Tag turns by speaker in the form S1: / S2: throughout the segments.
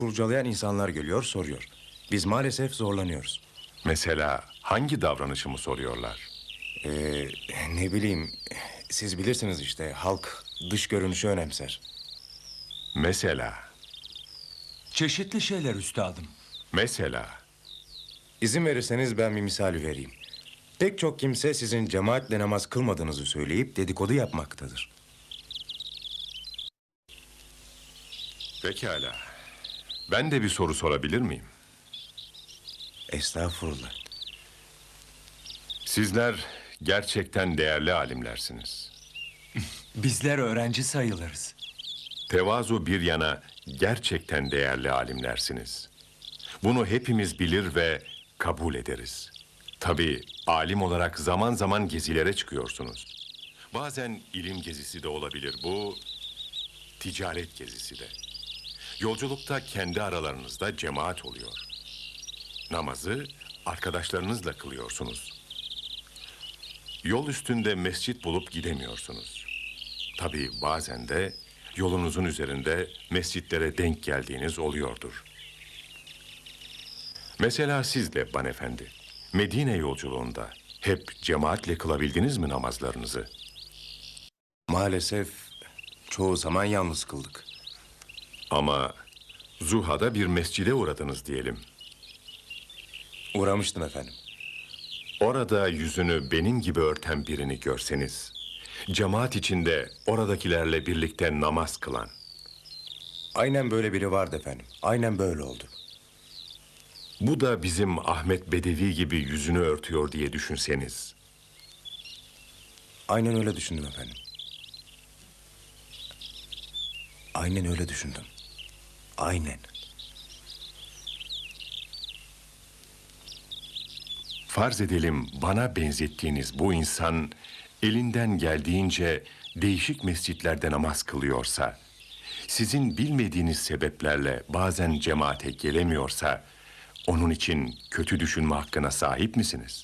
S1: kurcalayan insanlar geliyor, soruyor. Biz maalesef zorlanıyoruz.
S2: Mesela hangi davranışımı soruyorlar?
S1: Ne bileyim, siz bilirsiniz işte, halk dış görünüşü önemser.
S2: Mesela,
S3: Çeşitli şeyler üstadım.
S2: mesela.
S1: İzin verirseniz ben bir misal vereyim. Pek çok kimse sizin cemaatle namaz kılmadığınızı söyleyip dedikodu yapmaktadır.
S2: Pekala. Ben de bir soru sorabilir miyim?
S1: Estağfurullah.
S2: Sizler gerçekten değerli alimlersiniz.
S3: Bizler öğrenci sayılırız.
S2: Tevazu bir yana gerçekten değerli alimlersiniz. Bunu hepimiz bilir ve kabul ederiz. Tabii alim olarak zaman zaman gezilere çıkıyorsunuz. Bazen ilim gezisi de olabilir bu, ticaret gezisi de. Yolculukta kendi aralarınızda cemaat oluyor. Namazı arkadaşlarınızla kılıyorsunuz. Yol üstünde mescit bulup gidemiyorsunuz. Tabii bazen de yolunuzun üzerinde mescitlere denk geldiğiniz oluyordur. Mesela siz de Banefendi, Medine yolculuğunda hep cemaatle kılabildiniz mi namazlarınızı?
S1: Maalesef çoğu zaman yalnız kıldık.
S2: Ama Zuha'da bir mescide uğradınız diyelim.
S1: Uğramıştım efendim.
S2: Orada yüzünü benim gibi örten birini görseniz, cemaat içinde oradakilerle birlikte namaz kılan,
S1: Aynen böyle biri vardı efendim. Aynen böyle oldu.
S2: bu da bizim Ahmet Bedevi gibi yüzünü örtüyor diye düşünseniz,
S1: Aynen öyle düşündüm efendim. Aynen öyle düşündüm. Aynen.
S2: farz edelim bana benzettiğiniz bu insan elinden geldiğince değişik mescitlerde namaz kılıyorsa, sizin bilmediğiniz sebeplerle bazen cemaate gelemiyorsa, onun için kötü düşünme hakkına sahip misiniz?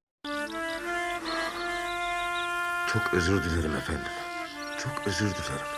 S1: Çok özür dilerim efendim. Çok özür dilerim.